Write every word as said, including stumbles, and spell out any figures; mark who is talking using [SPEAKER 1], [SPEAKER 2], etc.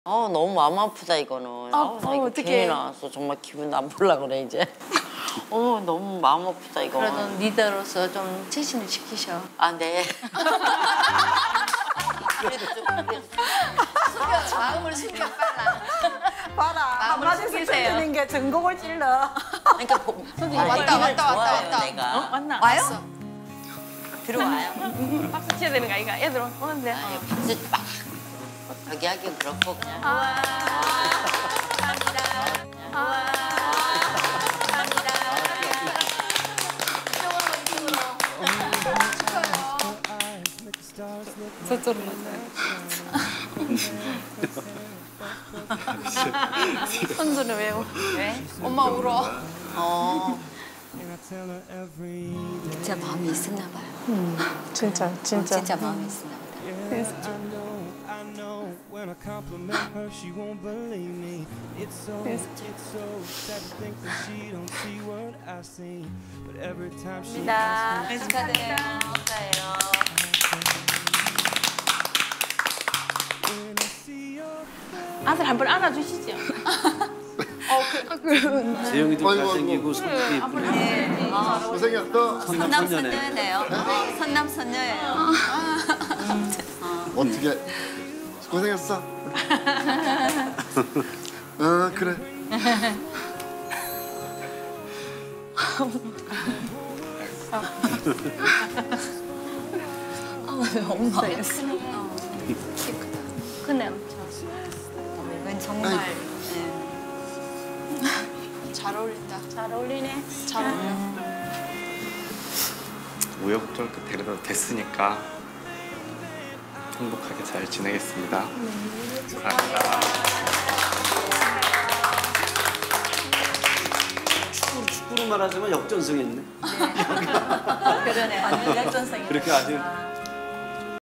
[SPEAKER 1] 어 너무 마음 아프다 이거는.
[SPEAKER 2] 아,
[SPEAKER 1] 아우, 나
[SPEAKER 2] 어,
[SPEAKER 1] 이거
[SPEAKER 2] 어떡해.
[SPEAKER 1] 괜히 나왔어. 정말 기분 나쁠라 그래 이제. 어 너무 마음 아프다 이거.
[SPEAKER 2] 그래도 리더로서 좀 최신을 시키셔.
[SPEAKER 1] 아 네. 그래도 좀 그래도.
[SPEAKER 2] 숨겨, 마음을 숨겨 빨라.
[SPEAKER 3] 봐라. 한마디씩 찔리는 게 전곡을 찔러.
[SPEAKER 1] 그러니까 보,
[SPEAKER 2] 선생님,
[SPEAKER 1] 아,
[SPEAKER 2] 왔다,
[SPEAKER 1] 이걸
[SPEAKER 2] 왔다, 왔다,
[SPEAKER 1] 좋아해요,
[SPEAKER 2] 왔다.
[SPEAKER 1] 내가.
[SPEAKER 2] 어? 왔나?
[SPEAKER 3] 와요?
[SPEAKER 2] 왔어.
[SPEAKER 1] 들어와요.
[SPEAKER 2] 박수 쳐야 되는 거 아이가? 애들 오는데.
[SPEAKER 1] 아니 박수 막 저기 하긴 그렇고 그냥.
[SPEAKER 2] 와. 감사합니다. 와. 감사합니다. 저쪽으로 맞아요. 선수는 왜 우- 왜? 엄마 울어.
[SPEAKER 1] 어.
[SPEAKER 4] 진짜 마음이 있었나 봐요.
[SPEAKER 3] 음, 진짜 진짜.
[SPEAKER 4] 진짜 마음이 있었나 보다.
[SPEAKER 5] When I compliment her, she won't believe me. It's so, it's so sad to think that she don't see what I see. But every time she asks me,
[SPEAKER 2] 축하드려요.
[SPEAKER 5] when I see your
[SPEAKER 2] 아들 한 번 안아주시죠.
[SPEAKER 6] 재영이도 잘생기고 성격이 예쁘네.
[SPEAKER 7] 고생했어.
[SPEAKER 4] 선남 선녀네요. 선남 선녀예요.
[SPEAKER 7] 어떻게 고생했어? 아 그래.
[SPEAKER 4] 엄마.
[SPEAKER 2] 크네 엄청.
[SPEAKER 4] 이건 정말.
[SPEAKER 2] 잘 어울린다. 잘 어울리네. 잘 어울려.
[SPEAKER 8] 우여곡절 끝에 그래도 됐으니까 행복하게 잘 지내겠습니다. 감사합니다.
[SPEAKER 6] 축구, 축구로 말하자면 역전승했네.
[SPEAKER 4] 그러네. 완전 역전성이.
[SPEAKER 6] 그렇게 아주